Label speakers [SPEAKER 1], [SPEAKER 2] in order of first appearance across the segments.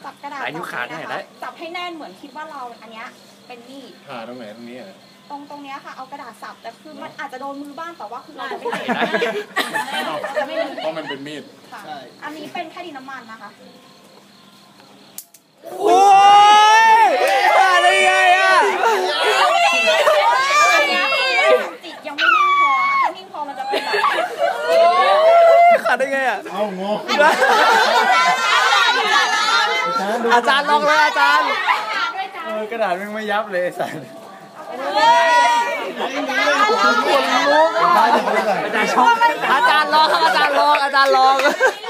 [SPEAKER 1] จับกระดาษนิ้วขาดได้จับให้แน่นเหมือนคิดว่าเราอันเนี้ยเป็นมีด
[SPEAKER 2] ผ่าตรงไหนตรงนี้
[SPEAKER 1] ตรงเนี้ยค่ะเอากระดาษสับแต่คือมันอาจจะโดนมือบ้างแต่ว่าคือเราจะไม่เห็น
[SPEAKER 2] เพราะมันเป็นมีด
[SPEAKER 1] อันนี้เป็นแค่ดินน้ำมันนะคะ
[SPEAKER 3] โอ้ยขาดได้ไงอ่ะ
[SPEAKER 1] อันนี้จิตยังไม่นิ่งพอถ้านิ่งพอมันจะเป็นแบบ
[SPEAKER 3] ขาดได้ไงอ่ะ
[SPEAKER 2] เอางง
[SPEAKER 3] อาจารย์ลองเลยอาจารย์กระดาษมันไม่ยับเลยสันอาจารย์ลองครับอาจารย์ลองอาจารย์ลอง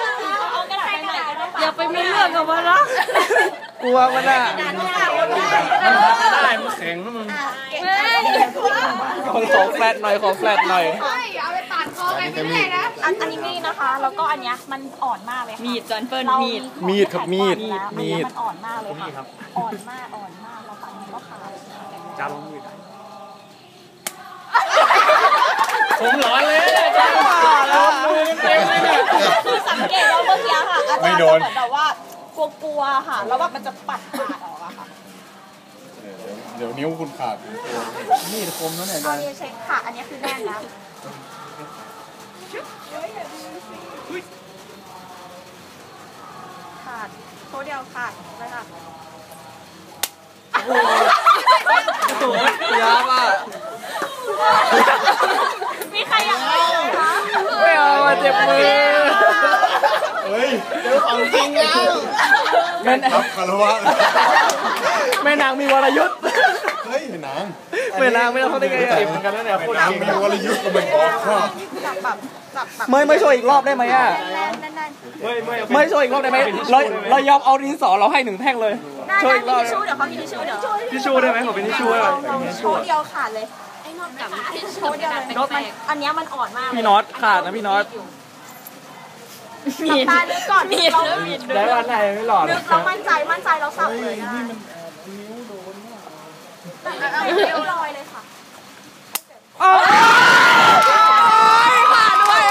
[SPEAKER 4] อย่าไปไม่เลือกกับมันนะ
[SPEAKER 3] กลัวมันอ่ะ
[SPEAKER 2] ได้มันแข็งแล้วมึง
[SPEAKER 3] ของแฟลตหน่อยของแฟลตหน่อย
[SPEAKER 1] เอาไปปาดคอกันไม่ได้นะอันนี้มีนะคะแล้วก็อันเนี้ยมันอ่อนมากเลยค่ะ
[SPEAKER 4] มีดจอนเฟิร์น
[SPEAKER 3] มีดครับมีด
[SPEAKER 1] มันอ่อนมากเลยค่ะอ่อนมากเราฟันมันก็ขาด
[SPEAKER 3] จ้าลองมีด
[SPEAKER 2] ผมร้อนเลยจ้าโดนมือเต็มเลยเนี่ย
[SPEAKER 1] คือสังเกตว่าเมื่อกี้ค่ะอาจารย์เหมือนแบบว่ากลัวค่ะแล้วแบบมันจะปัดขาดออกอะค่ะ
[SPEAKER 2] เดี๋ยวนิ้วคุณขาด
[SPEAKER 3] มีดคมแล้วเนี่ย
[SPEAKER 1] อันนี้เช็คค่ะอันนี้คือแน่นแล้วขาดโคเดียวขาดเลยค่ะ
[SPEAKER 3] ยากอ่ะ
[SPEAKER 1] มีใครอยากได้ไหมคะ
[SPEAKER 3] ไม่เอาเจ็บมือ
[SPEAKER 2] เฮ้ยเดี๋ยวของจริงแล้ว
[SPEAKER 3] แม่
[SPEAKER 2] ครับคารวะ
[SPEAKER 3] แม่นางมีวรยุทธ์
[SPEAKER 2] เฮ้ยนาง
[SPEAKER 3] แม่นางไม่ต้องเขาได้ไง
[SPEAKER 2] เจ็บเหมือนกันนะเนี่ยนางมีวรยุทธ์ก็ไม่บอกข้อ
[SPEAKER 3] ไม่โชว์อีกรอบได้ไหมอ่ะไม่โชว์อีกรอบได้ไหมเรายอมเอาดินสอเราให้1 แท่งเลย
[SPEAKER 1] โชว์อีกรอบเดี๋ยวเขามีทิชชู่เดี๋ยว
[SPEAKER 3] ทิชชู่ได้ไหมขอเป็นทิชชู่ได้ไหม
[SPEAKER 1] โชว์เดียวขาดเลยไอ้นอตกับทิชชู่เดียวเลยอันนี้มันอ่อนมาก
[SPEAKER 3] พี่น็อตขาดนะพี่น็อต
[SPEAKER 1] มีตาลึกก่อนมี
[SPEAKER 3] ได้วันไหนไม่หลอด
[SPEAKER 1] เรามั่นใจเราสับเลยนะ
[SPEAKER 2] นี่มันนิ้วโดน
[SPEAKER 1] นิ้วลอยเลยค่ะ
[SPEAKER 3] ขาดด้วย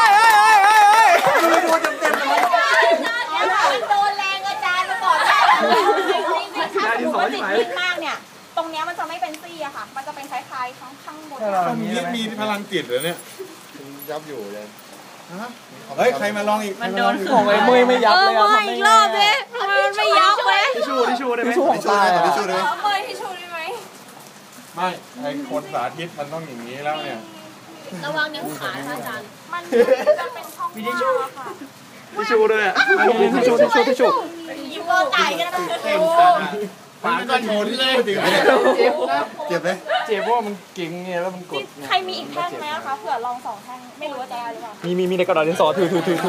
[SPEAKER 3] ดูเต็มเลย
[SPEAKER 1] มันโดนแรงอาจารย์มาก่อนได้ถ้าสมมติว่าจิตนิ่งมากเนี่ยตรงนี้มันจะไม่เป็นซี่อะค่ะมันจะเป็นคล้ายๆข้างบน
[SPEAKER 2] มีพลังจิตเหรอเนี่ยยับอยู่เลยเฮ้ยใครมาลองอีก
[SPEAKER 4] มันโดน
[SPEAKER 3] ของไอ้มือไม่ยับเลย
[SPEAKER 4] มาอีกรอบเลยมันไม่ยับเลย
[SPEAKER 3] ทิชชู่ได้ไหม
[SPEAKER 2] ทิชชู่ได้ทิชชู่ได้ไหม
[SPEAKER 1] ทิชชู่ได้ไหม
[SPEAKER 2] ไม่ไอ้คนสาธิตมันต้องอย่างนี้แล้วเนี่ย
[SPEAKER 4] ระวังนิ้วขาอาจารย์
[SPEAKER 1] มันจะเป็นช่องว่างค่ะ
[SPEAKER 3] ทิชชู่ด้วยอ่ะทิชชู่
[SPEAKER 1] ยิ้มว่าตายกันนะ
[SPEAKER 2] ฝาก็โชว์ที่เลยจริงเจ็บไหม
[SPEAKER 3] เจ็บเพราะมันเก่งไงแล้วมันกด
[SPEAKER 1] ใครมีอีกแท่งไหมคะเผื่อลอง2 แท่งไม่รู้ว่าจะได้หรือเปล่า
[SPEAKER 3] มีในกระดาษดินสอถือ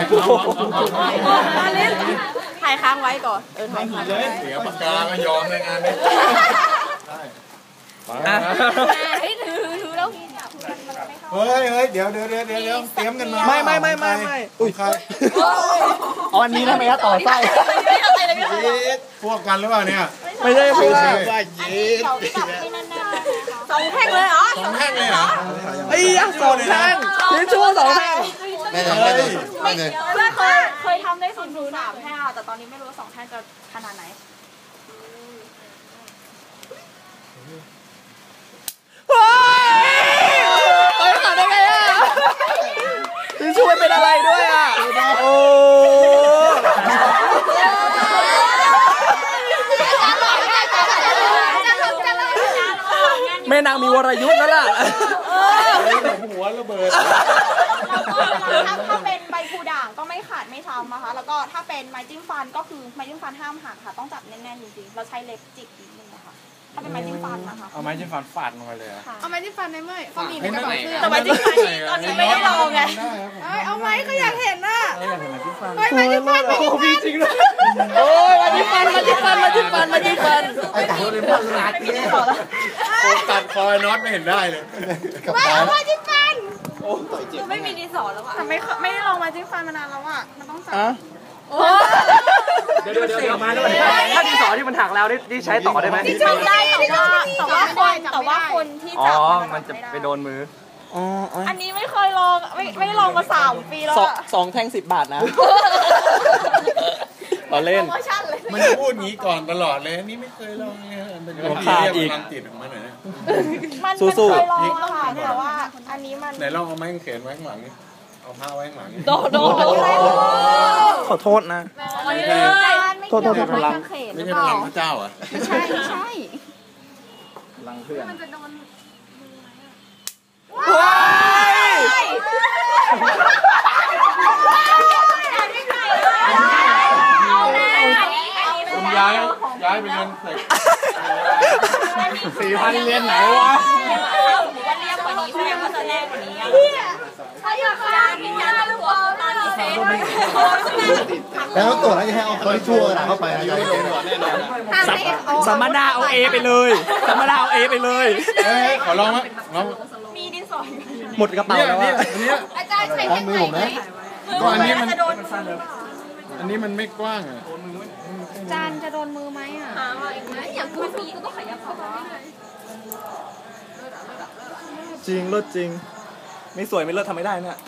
[SPEAKER 4] ถ่ายค้างไว้ก่อน
[SPEAKER 2] ถ่ายเลยเสียปากกาก็ยอมในงานนี้
[SPEAKER 4] ให้ถือแล้ว
[SPEAKER 2] เฮ้ยเดี๋ยวเตรียมกันมา
[SPEAKER 3] ไม่อุ้ยใครอันนี้ทำไมต่อไส้
[SPEAKER 2] พวกกันหรือเปล่าเนี่ย
[SPEAKER 3] ไม่ใช่
[SPEAKER 2] พวก
[SPEAKER 1] ว่ายีด2 แท่งเลยเหรอ
[SPEAKER 2] 2 แท่งเลยเหรอ
[SPEAKER 3] ไอ้ยักษ์2 แท่งทิชชู่2 แท่ง
[SPEAKER 2] ไม่ทำเลย
[SPEAKER 1] เคยทำได้3 แท่งแต่ตอนนี้ไม่รู้ว่า2 แท่งจะขนาดไหน
[SPEAKER 3] ขาดได้ไงอ่ะทิชชู่เป็นอะไรด้วยอ่ะโอ้แม่นางมีวรยุทธ์แล้วล่ะ
[SPEAKER 2] หัวระเบิด
[SPEAKER 1] ถ้าเป็นใบพูด่างก็ไม่ขาดไม่ช้ำนะคะแล้วก็ถ้าเป็นไม้จิ้มฟันก็คือไม้จิ้มฟันห้ามหักค่ะต้องจับแน่นๆจริงๆเราใช้เล็บจิกนิดนึงนะคะถ้าเป็นไม้จิ้มฟันนะคะ
[SPEAKER 3] เอาไม้จิ้มฟันฟาดลงไปเลย
[SPEAKER 4] เอาไม้จิ้มฟันในเมื่อเขามีในกระ
[SPEAKER 1] เป๋า
[SPEAKER 4] เสื้อ
[SPEAKER 1] แต่ไม้จิ้มฟันตอนนี้ไม่ได้ลองไง
[SPEAKER 4] เอาไม้ก็อยากเห็นน่ะ
[SPEAKER 3] อยากเห็นไม้จิ้มฟัน
[SPEAKER 4] ไม้จิ้มฟัน
[SPEAKER 3] โอ้พี่จริงเลยโอ้ยไม้จิ้มฟันไม้จิ้มฟันไอ้
[SPEAKER 2] ตัดเลยพันลาดนี่ตัดคอยน็อตไม่เห็นได้เลย
[SPEAKER 1] ไม้จิ้มฟัน
[SPEAKER 4] คือไม่มีดินสอแล้วอ่ะ
[SPEAKER 1] แต่ไม่ได้ลองไม้จิ้มฟันมานานแล้วอ่ะมันต้องจับ
[SPEAKER 3] เดี๋ยวมาด้วยถ้าดินสอที่มันหักแล้วนี่ใช้ต่อได้ไหม
[SPEAKER 1] ใช้ได้แต่ว่าคนที่จับ
[SPEAKER 3] มันจะไปโดนมือ
[SPEAKER 1] อันนี้ไม่เคยลองไม่ลองมา3 ปีแล้ว
[SPEAKER 3] 2 แท่ง10 บาทนะเราเล่น
[SPEAKER 1] โปรโมชั่นเลย
[SPEAKER 2] มันจะพูดงี้ก่อนตลอดเลยนี่ไม่เคยลองเนี่ยมันจะ
[SPEAKER 3] ขาดอีก
[SPEAKER 2] พลังจิตออกมาหน่อยนะ
[SPEAKER 1] มัน
[SPEAKER 3] สู้ๆ
[SPEAKER 1] เคยลองค่ะแต่ว่าอันนี้มัน
[SPEAKER 2] ไหนลองเอาไม้กางเขนไว้ข้างหลังนี่เอาผ้าไว้ข้างหลังนี่
[SPEAKER 4] โดน
[SPEAKER 3] ขอโทษนะ
[SPEAKER 2] ไม่ใช่
[SPEAKER 3] โทษพลัง
[SPEAKER 2] ไม่ใช่พลังพระเจ้าเหรอ่ะ
[SPEAKER 1] ไม่ใช่ไม่ใช่
[SPEAKER 3] พลังเพื่อน
[SPEAKER 4] มันจะโดน
[SPEAKER 3] ว้าย
[SPEAKER 2] ผมย้ายไปเรียนเสร็จ
[SPEAKER 3] 4,000 เรียนไหนวะ
[SPEAKER 1] ว่าเรียกกว่านี้แสดงว่าจะแน่กว่านี้อ่ะถ้าอยากได้มีการตรวจตอนนี้เซ็น
[SPEAKER 5] แล้วตรวจแล้วจะให้เอาคนที่ชั่วเข้าไปนะ
[SPEAKER 3] สัมมนาเอาเอไปเลยสัมมนาเอาเอไปเลย
[SPEAKER 2] เอ้ยขอลองไหมลอง
[SPEAKER 1] มีดินสออยู่
[SPEAKER 3] หมดกระเป๋า
[SPEAKER 2] เนี่ย
[SPEAKER 3] แล้ว
[SPEAKER 2] เนี่ย
[SPEAKER 3] อะ
[SPEAKER 2] อันเนี้ย
[SPEAKER 4] อาจารย์ใช้
[SPEAKER 5] ล้างมือผมนะ
[SPEAKER 2] ก็อันนี้มัน
[SPEAKER 1] จะโดน
[SPEAKER 2] อันนี้มันไม่กว้างอ่ะ
[SPEAKER 4] จานจะโดนมือไหมอ่ะอย่างพูดนี้ก็ต้องขยับเข้าไปเรื่อย
[SPEAKER 3] จริงเลิศจริง ไม่สวยไม่เลิศทำไม่ได้เนี่ย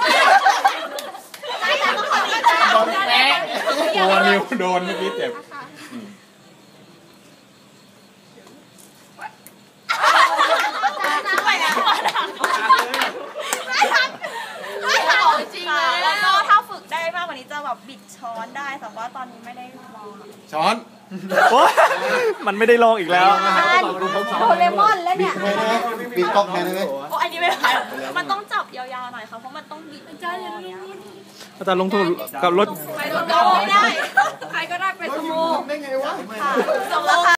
[SPEAKER 2] ตัวนิ้วโดนเมื่อกี้เจ็บ
[SPEAKER 1] ไปแล้วจริงแล้วก็ถ้าฝึกได้มากกว่านี้จะแบบบิดช้อนได้แต่ว่าตอนนี้ไม่ได้ลอง
[SPEAKER 2] ช้อน
[SPEAKER 3] โอ๊ยมันไม่ได้ลองอีกแล้ว
[SPEAKER 1] โดเรมอนแล้วเนี่ย
[SPEAKER 5] ไม่ได้ปีกก๊อกแทนได้ไหม
[SPEAKER 1] โอ้อันนี้ไม่ได้มันต้องจับยาวๆหน่อยค่ะเพราะมันต้องบิด
[SPEAKER 4] ๆอาจารย์อย่าลืม
[SPEAKER 3] อาจารย์ลงทุนกับรถ
[SPEAKER 4] ไปโดนไม่ได้ ใครก็ได้ไปสโม
[SPEAKER 5] ได้ไงวะ
[SPEAKER 1] ค่ะส่งราคา